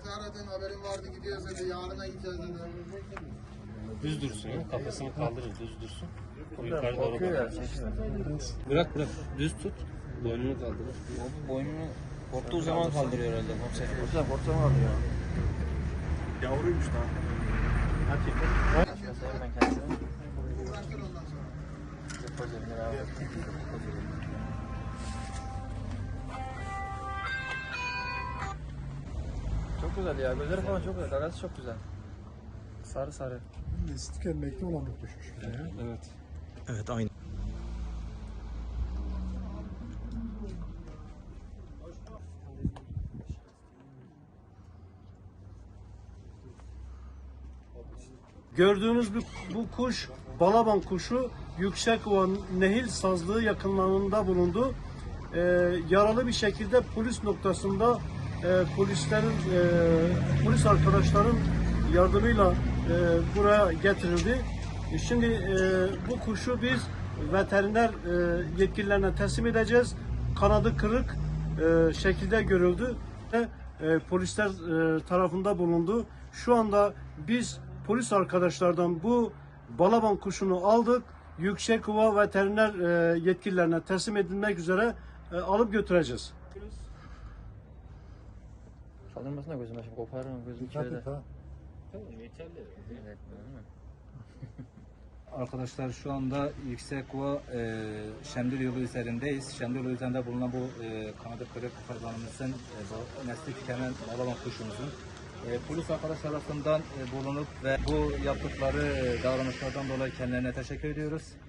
bizi aradın, haberin vardı, gidiyoruz dedi, yarına gideceğiz dedi. Düz dursun ya. Kafasını kaldırır, düz dursun. O yukarı doğru Korkuyor ya. bakar. Bırak. Düz tut. Boynunu kaldır. Boynunu korktuğu zaman kaldırıyor herhalde komiserim. Korksa mı alıyor? Yavruymuş daha. Göstereyim ben kendisine. Uğraştır ondan sonra. Depozitimleri abi. Çok güzel ya. Gözleri falan çok güzel. Gagası çok güzel. Sarı sarı. Nesli tükenmekte olan bir kuşmuş. Evet. Evet, aynı. Gördüğünüz bu kuş balaban kuşu Yüksekova Nehir Sazlığı yakınlarında bulundu. Yaralı bir şekilde polis noktasında polis arkadaşların yardımıyla buraya getirildi. Şimdi bu kuşu biz veteriner yetkililerine teslim edeceğiz. Kanadı kırık şekilde görüldü ve polisler tarafında bulundu. Şu anda biz polis arkadaşlardan bu balaban kuşunu aldık. Yüksekova veteriner yetkililerine teslim edilmek üzere alıp götüreceğiz. Kaldırmasın da gözüme şimdi koparırım gözüm Dikkat içeride. et ha. Tamam yeterli. Evet, değil mi? Arkadaşlar şu anda Yüksekova Şemdil yolu üzerindeyiz. Şemdil yolu üzerinde bulunan bu kanadı kırık hayvanımızın nesli tükenen balaban kuşumuzun polis arkadaş tarafından bulunup ve bu yaptıkları davranışlardan dolayı kendilerine teşekkür ediyoruz.